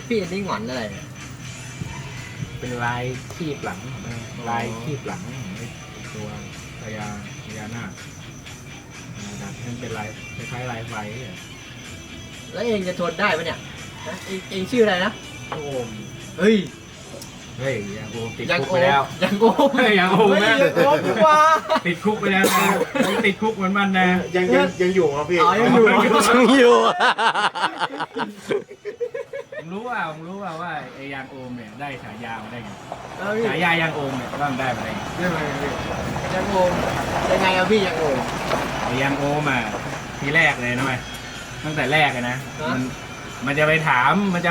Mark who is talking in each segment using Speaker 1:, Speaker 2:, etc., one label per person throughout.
Speaker 1: พี่อันนี้หงอนอะไรเนี่ย
Speaker 2: เป็นลายคีบหลังลายคีบหลังของตัวพญานาคดัดให้มันเป็นลายคล้ายๆลายไฟเนี่ย
Speaker 1: แล้วเองจะทนได้ปะเนี่ยฮะเองชื่ออะไรนะ
Speaker 2: โอม
Speaker 1: เฮ้ย
Speaker 2: เฮ้ยยังโอมติด
Speaker 1: ยัง
Speaker 2: คุก
Speaker 1: โอ
Speaker 2: ไปแล้ว
Speaker 1: ยังโอม
Speaker 2: เฮ้ยยังโอมนะ
Speaker 1: เฮ้ยยังโอมดีกว่า
Speaker 2: ติดคุกไปแล้วนะยังติดคุกเหมือนมันนะ
Speaker 3: ยังอยู่ครับพี่
Speaker 1: อ๋อยังอยู่
Speaker 4: อยู่
Speaker 2: ผมรู้ว่าไอ้ยางโอมเนี่ยได้ฉายามาได้ไง
Speaker 1: แล้วพี่
Speaker 2: ฉายายางโอมเนี่ยว่ามันได้มาได้ไง
Speaker 1: ยังโอมยังไงอะพี่ยังโอม
Speaker 2: ไอ้ยางโอมอ่ะทีแรกเลยนะเว้ยตั้งแต่แรกเลยนะ
Speaker 1: ฮะ
Speaker 2: มันจะไปถาม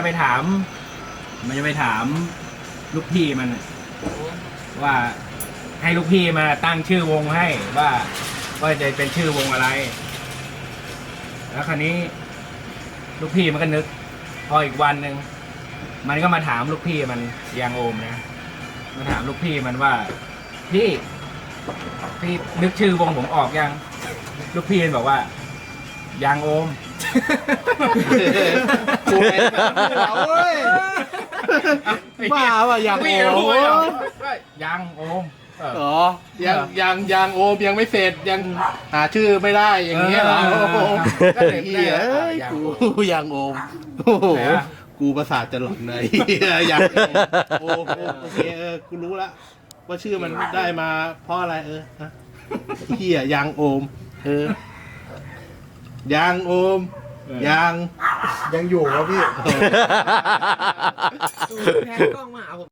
Speaker 2: ลูกพี่มันน่ะว่าให้ลูกพี่มาตั้งชื่อวงให้ว่าจะเป็นชื่อวงอะไร แล้วคราวนี้ลูกพี่มันก็นึก พออีกวันหนึ่งมันก็มาถามลูกพี่มันยางโอมนะมาถามลูกพี่มันว่าพี่นึกชื่อวงผมออกยังลูกพี่มันบอกว่ายางโอม
Speaker 3: โอ้ยเอาเว้ย บ้าว่ะยางโอม
Speaker 2: ยางโอมเออ
Speaker 3: อ๋อยังโอมยังไม่เสร็จยังหาชื่อไม่ได้อย่างเงี้ยเหรอ
Speaker 2: เออ
Speaker 3: โอ้โห
Speaker 2: ก็เลย
Speaker 3: เหี้ย
Speaker 2: ได้
Speaker 3: เอ้ย
Speaker 2: ยาง
Speaker 3: กู
Speaker 2: โอม
Speaker 3: ยังโอมโอ้โห
Speaker 2: ไหนอะ
Speaker 3: กูประสาทจะหลอนเลยยังโอมโอเคกูรู้ละว่าชื่อมันได้มาเพราะอะไรฮะเหี้ยยังโอมยังโอมยังอยู่ครับพี่
Speaker 1: แพนกล้องมาหาผม